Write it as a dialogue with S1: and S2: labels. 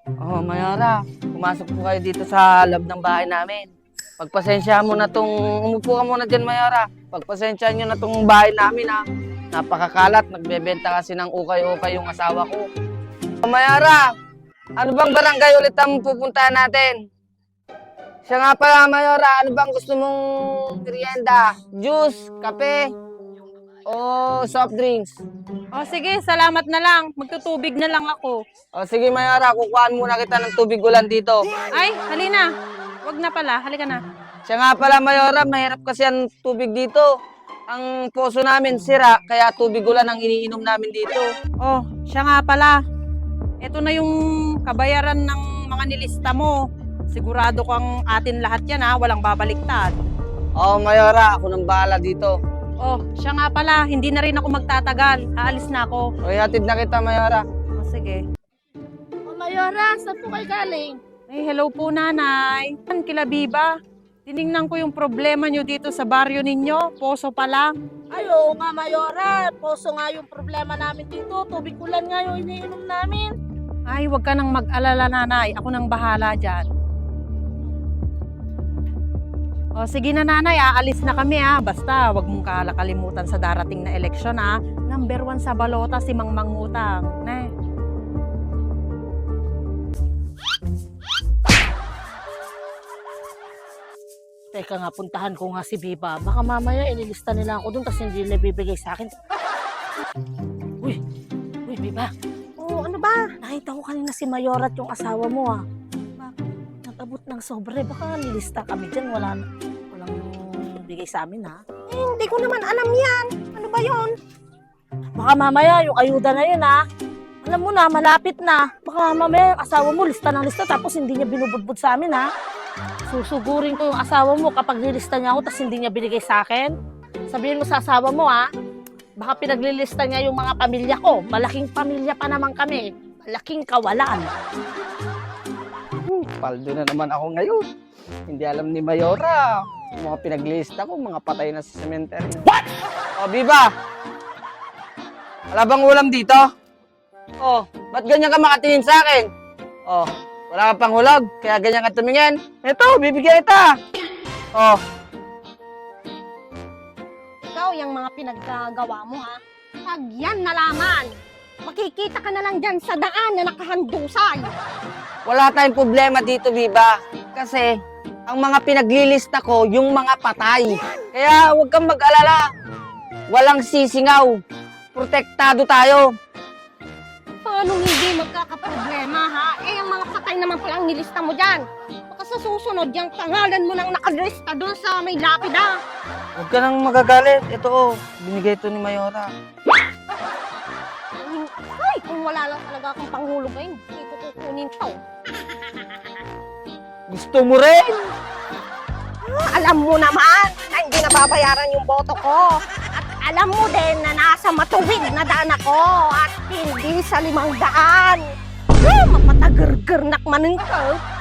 S1: Oh, Mayora, pumasok po kayo dito sa loob ng bahay namin. Pagpasensyahan mo na tong, umupo ka muna dyan, Mayora. Pagpasensyahan nyo na tong bahay namin, ha. Napakakalat, nagbebenta kasi ng ukay-ukay yung asawa ko. Oh, Mayora, ano bang barangay ulit ang pupuntahan natin? Siya nga pala, Mayora, ano bang gusto mong merienda? Juice, kape, o soft drinks?
S2: O sige, salamat na lang. Magtutubig na lang ako.
S1: O sige, Mayora, kukuhaan muna kita ng tubig ulan dito.
S2: Ay, halina. Wag na pala, halika na.
S1: Siya nga pala, Mayora, mahirap kasi ang tubig dito. Ang poso namin sira, kaya tubig ulan ang iniinom namin dito.
S2: Oh, siya nga pala. Ito na yung kabayaran ng mga nilista mo. Sigurado kang atin lahat yan ha, walang babaliktad.
S1: Oo, Mayora, ako nang bahala dito.
S2: Oh, siya nga pala, hindi na rin ako magtatagal. Aalis na ako.
S1: O, hatid na kita, Mayora.
S2: Oh, sige.
S3: O Mayora, saan po kayo galing?
S2: Ay, hello po nanay. Kila Biba, tiningnan ko yung problema nyo dito sa baryo ninyo. Poso pa lang.
S3: Ay, oo nga Mayora, poso nga yung problema namin dito. Tubig ulan nga yung iniinom namin.
S2: Ay, wag ka nang mag-alala nanay. Ako nang bahala dyan. O sige na nanay, aalis na kami ha. Basta wag mong kalakalimutan sa darating na eleksyon ha. Number 1 sa balota si Mang Mangutang. Ne?
S3: Teka nga, puntahan ko nga si Biba. Baka mamaya inilista nila ako dun tapos hindi nila bibigay sa akin. Uy, Biba. Oo, ano ba? Nakita ko kanina si Mayora at yung asawa mo ah. Bakit? Nag-abot ng sobre. Baka nilista kami dyan. Walang bigay sa amin ha. Eh, hindi ko naman alam yan. Ano ba yon? Baka mamaya yung ayuda na yun ha. Alam mo na, malapit na. Baka mamaya yung asawa mo lista ng lista tapos hindi niya binubudbud sa amin ha. Susugurin ko yung asawa mo kapag nilista niya ako tapos hindi niya binigay sa akin. Sabihin mo sa asawa mo ha, baka pinaglilista niya yung mga pamilya ko. Malaking pamilya pa naman kami. Malaking kawalan.
S1: Paldo na naman ako ngayon. Hindi alam ni Mayora. Yung mga pinaglista ko, mga patay na sa cemetery. What? O, Biba! Wala bang ulam dito? Oh, ba't ganyan ka makatingin sa akin? Oh, wala ka pang hulog, kaya ganyan ka tumingin. Eto, bibigyan kita. Oh,
S4: Ikaw, yung mga pinaggagawa mo ha, pag yan nalaman, makikita ka na lang dyan sa daan na nakahandusay.
S1: wala tayong problema dito, Biba. Kasi, ang mga pinaglilista ko, yung mga patay. Kaya huwag kang mag-alala. Walang sisingaw. Protektado tayo.
S4: Paano hindi magkakaproblema ha? Eh, ang mga patay naman palang nilista mo dyan. Baka sa susunod, yung pangalan mo nang nakalista doon sa may lapida.
S1: Huwag ka nang magagalit. Ito, oh, binigay ito ni Mayora.
S4: Ay, kung wala lang talaga akong panghulog ngayon, hindi ko kukunin to.
S1: Gusto mo rin?
S4: Alam mo naman na hindi nababayaran yung boto ko. At alam mo din na nasa matuwid na daan ako at hindi sa 500. Mapatagergernak manin ka.